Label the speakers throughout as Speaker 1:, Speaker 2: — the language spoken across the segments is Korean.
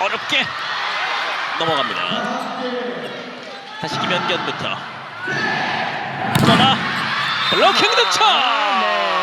Speaker 1: 어렵게 넘어갑니다. 다시 김연경부터 떠나 블로킹 득점.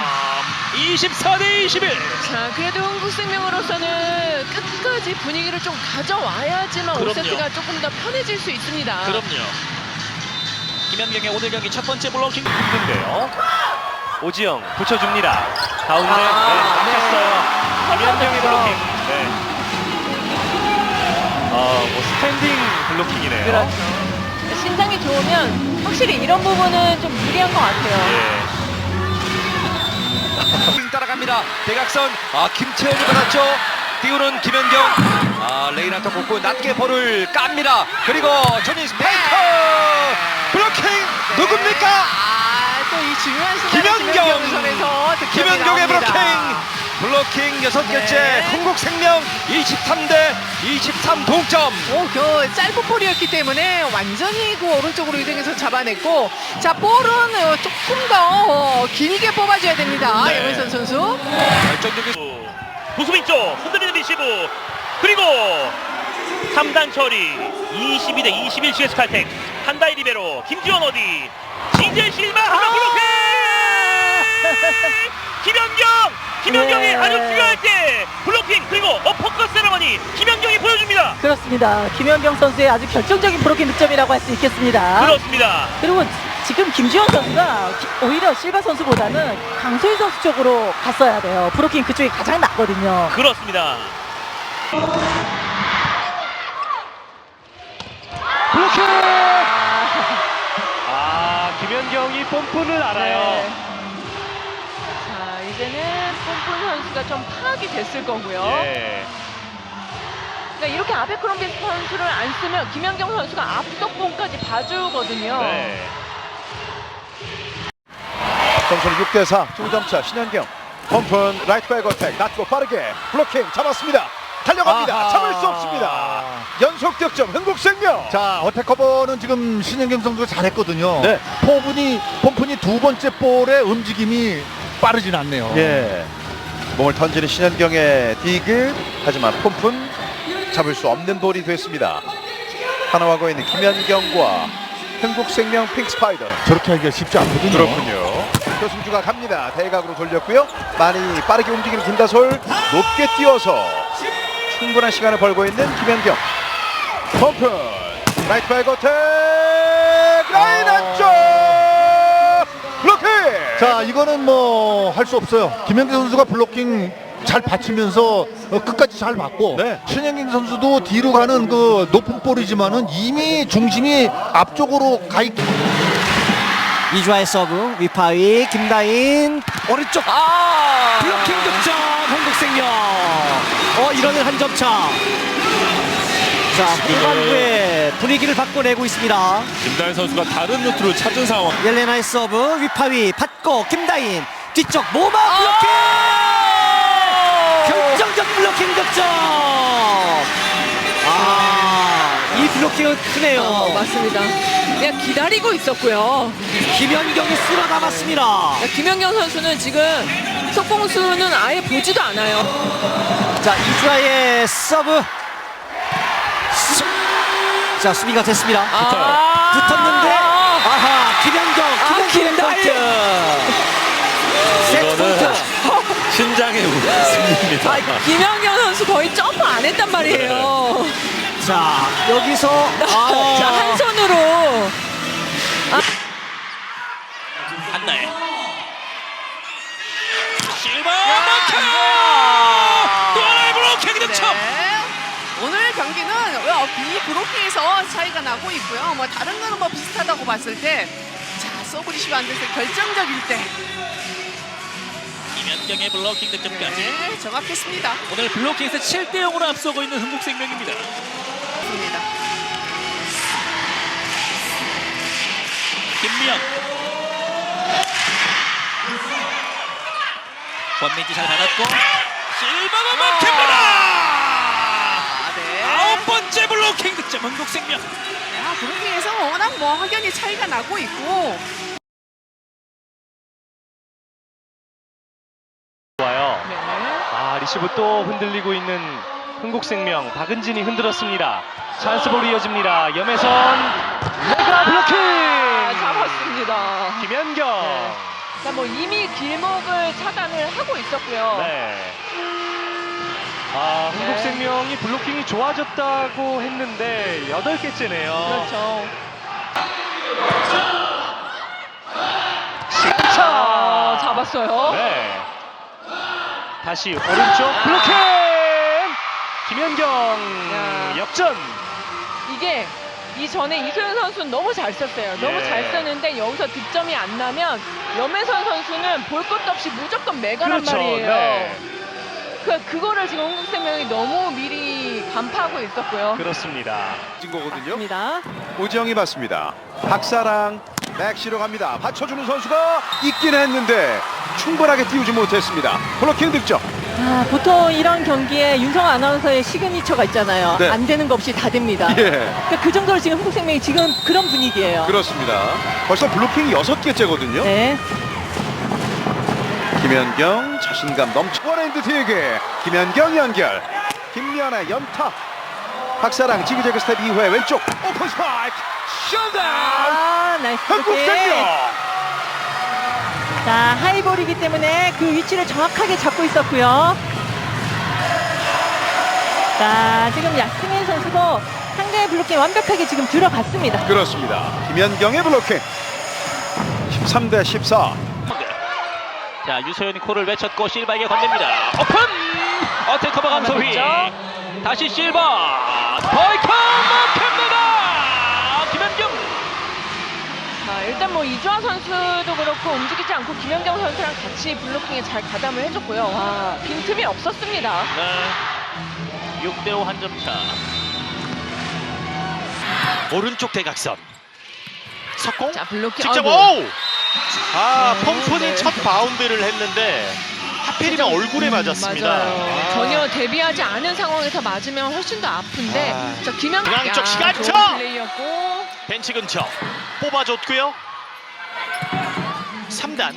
Speaker 1: 24대 21.
Speaker 2: 자, 그래도 흥국생명으로서는 끝까지 분위기를 좀 가져와야지만
Speaker 1: 그럼요.
Speaker 2: 5세트가 조금 더 편해질 수 있습니다.
Speaker 1: 그럼요. 김연경의 오늘 경기 첫 번째 블로킹.
Speaker 3: 힘든데요. 오지영 붙여줍니다. 가운데 막혔어요. 김연경의
Speaker 2: 그렇죠.
Speaker 3: 블로킹. 네. 뭐 스탠딩 블로킹이네요.
Speaker 2: 그렇죠. 신장이 좋으면 확실히 이런 부분은 좀 유리한 것 같아요.
Speaker 3: 예.
Speaker 4: 따라갑니다. 대각선 김채원이 받았죠. 띄우는 김연경. 레이나터 뽑고 낮게 볼을 깝니다. 그리고 조니 스파이커 블로킹 누굽니까?
Speaker 2: 또 이 중요한 순간에
Speaker 4: 김연경!
Speaker 2: 선에서
Speaker 4: 김연경의 블로킹 6개째.
Speaker 2: 네.
Speaker 4: 흥국생명 23대 23 동점.
Speaker 2: 그 짧은 볼이었기 때문에 완전히 그 오른쪽으로 이동해서 잡아냈고, 자, 볼은 조금 더 길게 뽑아줘야 됩니다.
Speaker 1: 네.
Speaker 2: 염혜선 선수.
Speaker 4: 결정적인
Speaker 3: 부수빈 쪽 흔들리는 리시브. 그리고 3단 처리 22대 21 GS 칼텍. 한다이 리베로 김지원 어디 진재 실마 한번 블로킹. 김연경이
Speaker 2: 네.
Speaker 3: 아주 중요할 때 블로킹 그리고 어퍼컷 세레머니 김연경이 보여줍니다.
Speaker 5: 그렇습니다. 김연경 선수의 아주 결정적인 브로킹 득점이라고 할 수 있겠습니다.
Speaker 3: 그렇습니다.
Speaker 5: 그리고 지금 김지원 선수가 오히려 실바 선수보다는 강소희 선수 쪽으로 갔어야 돼요. 브로킹 그쪽이 가장 낫거든요.
Speaker 3: 그렇습니다.
Speaker 4: 블로킹.
Speaker 3: 김연경이 뽐뿌를 알아요.
Speaker 2: 네. 자, 이제는 pompu 선수가 좀 파악이 됐을 거고요.
Speaker 3: 예.
Speaker 2: 그러니까 이렇게 아베크롬비 선수를 안 쓰면 김연경 선수가 앞석봉까지 봐주거든요.
Speaker 3: 네.
Speaker 6: 점수는 6대4 2점차. 신현경 펌픈 라이트 백 어택 낮고 빠르게 블로킹 잡았습니다. 달려갑니다.
Speaker 7: 아하.
Speaker 6: 잡을 수 없습니다. 연속 득점 흥국생명.
Speaker 7: 자, 어택 커버는 지금 신현경 선수가 잘했거든요.
Speaker 6: 네.
Speaker 7: 폼푼이 두 번째 볼의 움직임이 빠르진 않네요.
Speaker 6: 예. 몸을 던지는 신현경의 디그. 하지만 펌픈 잡을 수 없는 볼이 됐습니다. 하나하고 있는 김연경과 흥국생명 핑크스파이더.
Speaker 7: 저렇게 하기가 쉽지 않거든요.
Speaker 6: 그렇군요. 표승주가 갑니다. 대각으로 돌렸고요. 많이 빠르게 움직이는 김다솔. 높게 뛰어서 충분한 시간을 벌고 있는 김연경. 펌프 라이트 백 어택 라인 안쪽 블로킹.
Speaker 7: 자, 이거는 뭐 할 수 없어요. 김연경 선수가 블로킹 잘 받치면서 끝까지 잘 받고,
Speaker 6: 네.
Speaker 7: 신현경 선수도 뒤로 가는 그 높은 볼이지만은 이미 중심이 앞쪽으로 가 있기.
Speaker 8: 이주아의 서브 위파위 김다인 오른쪽 블로킹 득점 흥국생명. 이러면 한 점 차. 자, 후반부에 분위기를 바꿔내고 있습니다.
Speaker 9: 김다인 선수가 다른 루트를 찾은 상황.
Speaker 8: 옐레나의 서브 위파위 받고 김다인 뒤쪽 모마 블로킹. 결정적 블로킹 득점. 이 블로킹은 크네요.
Speaker 2: 맞습니다. 그냥 기다리고 있었고요.
Speaker 8: 김연경이 쓸어 담았습니다.
Speaker 2: 김연경 선수는 지금 속공수는 아예 보지도 않아요.
Speaker 8: 자, 이주아의 서브. 자, 수비가 됐습니다. 붙었는데 김연경 포인트. 세트 포인트.
Speaker 9: 신장의 승리입니다.
Speaker 2: 김연경 선수 거의 점프 안 했단 말이에요.
Speaker 8: 자, 여기서
Speaker 2: 자, 한 손으로.
Speaker 1: 한나의 실바 막혀. 또 하나의 블로킹 득점.
Speaker 10: 오늘 경기는 이 브로킹에서 차이가 나고 있고요. 뭐 다른 거는 뭐 비슷하다고 봤을 때, 자, 서브리시브 안 돼서 결정적일 때,
Speaker 1: 김연경의 블로킹 득점까지.
Speaker 10: 네, 정확했습니다.
Speaker 1: 오늘 블로킹에서 7대 0으로 앞서고 있는 흥국생명입니다. 김미영. 권민지 잘 받았고 실바가 막힙니다.
Speaker 10: 네.
Speaker 1: 9번째 블로킹 득점 흥국생명.
Speaker 10: 브로킹에서 워낙 뭐 확연히 차이가 나고 있고.
Speaker 3: 좋아요. 리시브 또 흔들리고 있는 흥국생명 박은진이 흔들었습니다. 찬스볼 이어집니다. 염혜선 레가 블로킹.
Speaker 2: 잡았습니다.
Speaker 3: 김연경.
Speaker 2: 자, 뭐 이미 길목을 차단을 하고 있었고요.
Speaker 3: 네. 아, 흥국생명이 블로킹이 좋아졌다고 했는데 8개째네요.
Speaker 2: 그렇죠.
Speaker 3: 시간차.
Speaker 2: 잡았어요.
Speaker 3: 네. 다시 오른쪽 블로킹. 김연경
Speaker 2: 야.
Speaker 3: 역전.
Speaker 2: 이게 이전에 이소연 선수는 너무 잘 썼어요. 너무
Speaker 3: 예.
Speaker 2: 잘 썼는데 여기서 득점이 안 나면 염혜선 선수는 볼 것도 없이 무조건 메가란
Speaker 3: 그렇죠.
Speaker 2: 말이에요.
Speaker 3: 네.
Speaker 2: 그거를 지금 흥국생명이 너무 미리 간파하고 있었고요.
Speaker 3: 그렇습니다.
Speaker 6: 진 거거든요.
Speaker 5: 입니다.
Speaker 6: 오지영이 받습니다. 박사랑 맥시로 갑니다. 받쳐주는 선수가 있긴 했는데 충분하게 띄우지 못했습니다. 블로킹 득점.
Speaker 5: 아, 보통 이런 경기에 윤성 아나운서의 시그니처가 있잖아요.
Speaker 6: 네.
Speaker 5: 안 되는 거 없이 다 됩니다.
Speaker 6: 예,
Speaker 5: 그러니까 그 정도로 지금 흥국생명이 지금 그런 분위기예요.
Speaker 6: 그렇습니다. 벌써 블로킹이 6개째거든요.
Speaker 5: 네.
Speaker 6: 김연경 자신감 넘쳐 원핸드 디그. 김연경 연결. 김연아 연타. 박사랑 지그재그 스텝 이후에 왼쪽 오픈 스파이크 셧다운.
Speaker 5: 아, 나이스
Speaker 6: 흥국생명.
Speaker 5: 자, 하이볼이기 때문에 그 위치를 정확하게 잡고 있었고요. 자, 지금 야승현 선수도 상대의 블로킹 완벽하게 지금 들어갔습니다.
Speaker 6: 그렇습니다. 김연경의 블로킹. 13대 14.
Speaker 1: 자, 유소연이 코를 외쳤고 실바에게 건넵니다. 오픈! 어택커버 강소희. 다시 실바. 보이커 막힙니다. 김연경.
Speaker 2: 자, 일단 뭐 이주아 선수도 그렇고 움직이지 않고 김연경 선수랑 같이 블로킹에 잘 가담을 해줬고요. 와, 빈틈이 없었습니다.
Speaker 1: 네. 6대5 한 점 차. 오른쪽 대각선. 석공.
Speaker 2: 자, 블로킹.
Speaker 1: 직접
Speaker 2: 아이고.
Speaker 1: 오! 아,
Speaker 2: 네.
Speaker 1: 펌프는 첫 바운드를 했는데 하필이면 얼굴에 맞았습니다.
Speaker 2: 맞아요. 전혀 대비하지 않은 상황에서 맞으면 훨씬 더 아픈데. 자, 김연경.
Speaker 1: 중앙 쪽 시간차!
Speaker 2: 좋은 플레이였고.
Speaker 1: 벤치 근처 뽑아줬고요. 3단.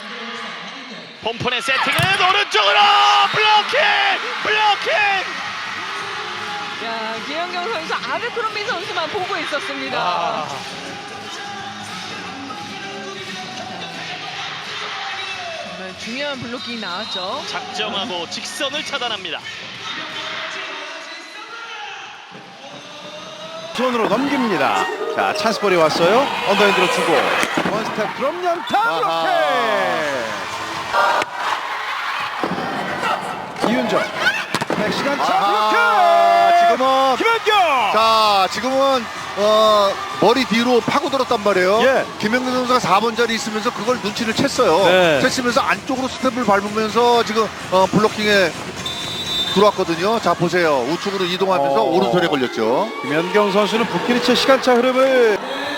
Speaker 1: 펌프의 세팅은 오른쪽으로 블로킹!
Speaker 2: 야, 김연경 선수 아베크롬비 선수만 보고 있었습니다.
Speaker 1: 아.
Speaker 2: 정말 중요한 블로킹이 나왔죠.
Speaker 1: 작정하고 직선을 차단합니다.
Speaker 6: 손으로 넘깁니다. 자, 찬스볼이 왔어요. 언더핸드로 주고 원스텝 드롭 연타 블로킹. 이윤정 백시간 차 블로킹.
Speaker 7: 지금은
Speaker 6: 김연경.
Speaker 7: 자, 지금은 머리 뒤로 파고들었단 말이에요.
Speaker 6: 예.
Speaker 7: 김연경 선수가 4번 자리 있으면서 그걸 눈치를 챘어요.
Speaker 6: 네.
Speaker 7: 챘으면서 안쪽으로 스텝을 밟으면서 지금 블로킹에 들어왔거든요. 자, 보세요. 우측으로 이동하면서 오른손에 걸렸죠.
Speaker 6: 김연경 선수는 부키리체 시간차 흐름을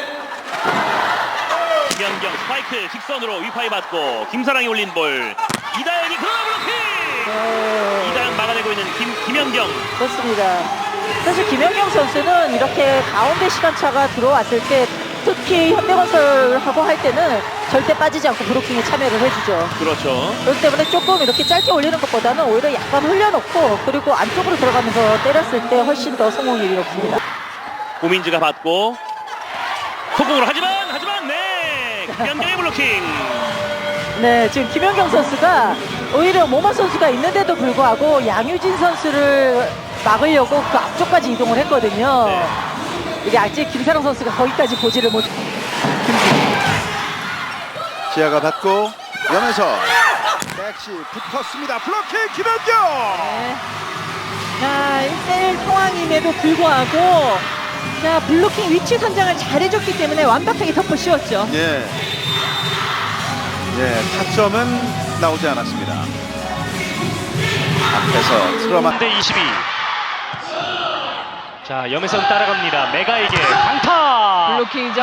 Speaker 3: 김연경 스파이크 직선으로 위파이 받고 김사랑이 올린 볼. 이다영이 그러나 블로킹. 이다영 막아내고 있는 김연경.
Speaker 5: 그렇습니다. 사실 김연경 선수는 이렇게 가운데 시간차가 들어왔을 때 특히 현대건설하고 할 때는 절대 빠지지 않고 브로킹에 참여를 해주죠.
Speaker 3: 그렇죠.
Speaker 5: 그렇기 때문에 조금 이렇게 짧게 올리는 것보다는 오히려 약간 흘려놓고 그리고 안쪽으로 들어가면서 때렸을 때 훨씬 더 성공률이 높습니다.
Speaker 3: 고민지가 받고 속공으로 하지만 네 김연경의 블로킹.
Speaker 5: 네, 지금 김연경 선수가 오히려 모마 선수가 있는데도 불구하고 양유진 선수를 막으려고 그 앞쪽까지 이동을 했거든요.
Speaker 3: 네.
Speaker 5: 이게 아직 김사랑 선수가 거기까지 보지를 못.
Speaker 6: 지아가 받고 연에서 백시 붙었습니다. 블로킹 김연경.
Speaker 5: 네. 자, 1대1 상황임에도 불구하고 자, 블로킹 위치 선정을 잘해줬기 때문에 완벽하게 덮어 씌웠죠.
Speaker 6: 예. 예, 타점은 나오지 않았습니다. 앞에서 트라마
Speaker 3: 3대 22. 자, 염혜선 따라갑니다. 메가에게 강타.
Speaker 2: 블로킹이죠.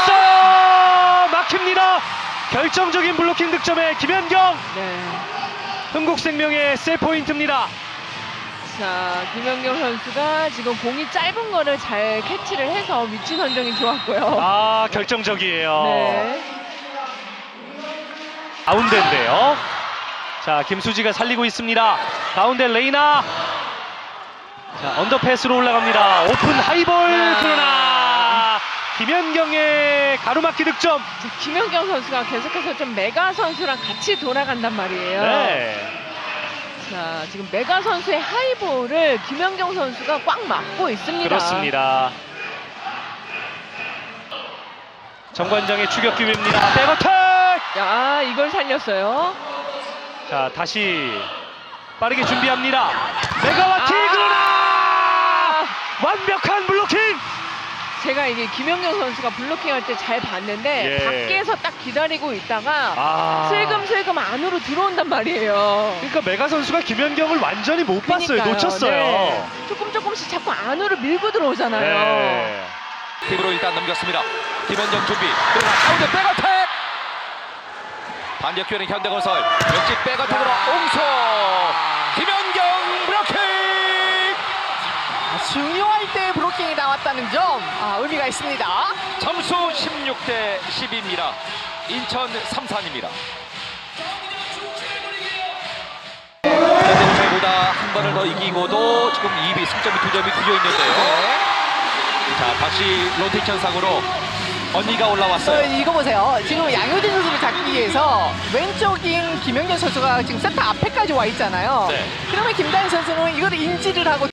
Speaker 3: 막힙니다. 결정적인 블로킹 득점에 김연경.
Speaker 2: 네.
Speaker 3: 흥국생명의 세 포인트입니다.
Speaker 2: 자, 김연경 선수가 지금 공이 짧은 거를 잘 캐치를 해서 위치 선정이 좋았고요.
Speaker 3: 아, 결정적이에요.
Speaker 2: 네.
Speaker 3: 가운데인데요. 자, 김수지가 살리고 있습니다. 가운데 레이나. 자, 언더패스로 올라갑니다. 오픈 하이볼 그러나 김연경의 가로막기 득점.
Speaker 2: 김연경 선수가 계속해서 좀 메가 선수랑 같이 돌아간단 말이에요.
Speaker 3: 네.
Speaker 2: 자, 지금 메가 선수의 하이볼을 김연경 선수가 꽉 막고 있습니다.
Speaker 3: 그렇습니다. 정관장의 추격 기회입니다. 백어택.
Speaker 2: 야, 이걸 살렸어요.
Speaker 3: 자, 다시 빠르게 준비합니다. 메가와티 그러나 완벽한 블로킹.
Speaker 2: 제가 이게 김연경 선수가 블로킹할 때 잘 봤는데
Speaker 3: 예.
Speaker 2: 밖에서 딱 기다리고 있다가 슬금슬금 안으로 들어온단 말이에요.
Speaker 3: 그러니까 메가 선수가 김연경을 완전히 못 봤어요.
Speaker 2: 그러니까요.
Speaker 3: 놓쳤어요.
Speaker 2: 네. 조금씩 자꾸 안으로 밀고 들어오잖아요.
Speaker 3: 네.
Speaker 4: 팁으로 일단 넘겼습니다. 김현정 준비. 그러나 가운데 백어택. 반격 기회는 현대건설. 역시 백어택으로 옹소. 김현경 블로킹.
Speaker 2: 중요할 때 브로킹이 나왔다는 점 의미가 있습니다.
Speaker 4: 점수 16대 10입니다. 인천 삼산입니다. 현대건설보다 한 번을 더 이기고도 지금 2위 승점이 2점이 뒤져 있는데요. 자, 다시 로테이션 상으로 언니가 올라왔어요.
Speaker 2: 이거 보세요. 지금 양효진 선수를 잡기 위해서 왼쪽인 김연경 선수가 지금 세터 앞에까지 와 있잖아요.
Speaker 4: 네.
Speaker 2: 그러면 김다인 선수는 이걸 인지를 하고